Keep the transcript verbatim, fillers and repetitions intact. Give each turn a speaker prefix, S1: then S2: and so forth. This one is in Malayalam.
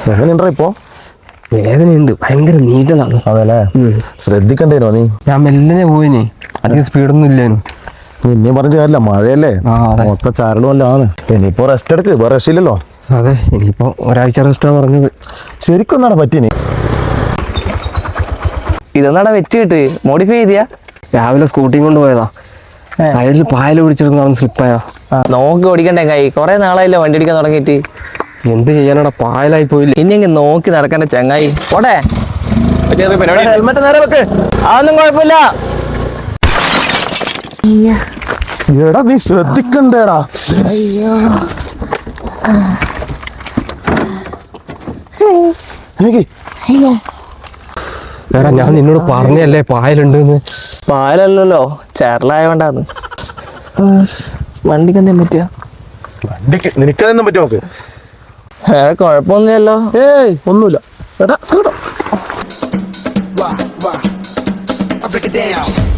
S1: എങ്ങനെയുണ്ടോ ഇപ്പോ?
S2: വേദനയുണ്ട്, ഭയങ്കര നീറ്റലാണ്.
S1: അതെല്ലേ, ശ്രദ്ധിക്കണ്ടേനോ നീ?
S2: ഞാൻ മെല്ലനെ പോയിനെ, അധികം സ്പീഡൊന്നും ഇല്ലേനു.
S1: നിന്നെ പറഞ്ഞ കാര്യമില്ല, മഴയല്ലേ, മൊത്ത ചരടുമല്ലാണ്. ഇനിയിപ്പോ റെസ്റ്റ് എടുക്ക്, വേറെ രക്ഷയില്ലല്ലോ.
S2: അതെ, ഇനിയിപ്പോ ഒരാഴ്ച റെസ്റ്റാ പറഞ്ഞത്.
S1: ശരിക്കും ഒന്നാണ് പറ്റിനി.
S3: ഇതൊന്നാടാ വെച്ച് കിട്ട്, മോഡിഫൈ ചെയ്തിയാ?
S2: രാവിലെ സ്കൂട്ടി കൊണ്ട് പോയതാ, സൈഡിൽ പായൽ പിടിച്ചെടുക്കുന്ന സ്ലിപ്പായതാ.
S3: നോക്കി ഓടിക്കണ്ടേ കൈ, കൊറേ നാളായില്ലോ വണ്ടി ഓടിക്കാൻ തുടങ്ങിയിട്ട്.
S2: എന്ത് ചെയ്യാനാടാ, പായലായി പോയില്ലേ.
S3: ഇനി എങ്ങനെ നോക്കി നടക്കണ്ട ചങ്ങായി, പോട്ടെ.
S1: ഹെൽമെറ്റ് നേരെ വെക്ക്.
S3: അതൊന്നും കുഴപ്പമില്ല.
S1: എടാ നീ ശ്രദ്ധിക്കണ്ടേടാ.
S2: എടാ ഞാൻ നിന്നോട് പറഞ്ഞല്ലേ പായലുണ്ടെന്ന്.
S3: പാലല്ലോ, ചേറലായോണ്ടാന്ന്. വണ്ടിക്ക് എന്തേലും പറ്റിയ?
S1: വണ്ടിക്ക് നിനക്കതെന്നും പറ്റുമോ? നോക്ക്.
S3: വേറെ കുഴപ്പമൊന്നുമില്ലല്ലോ.
S1: ഏയ് ഒന്നുമില്ല. എടാ
S4: Why, why? I break it down.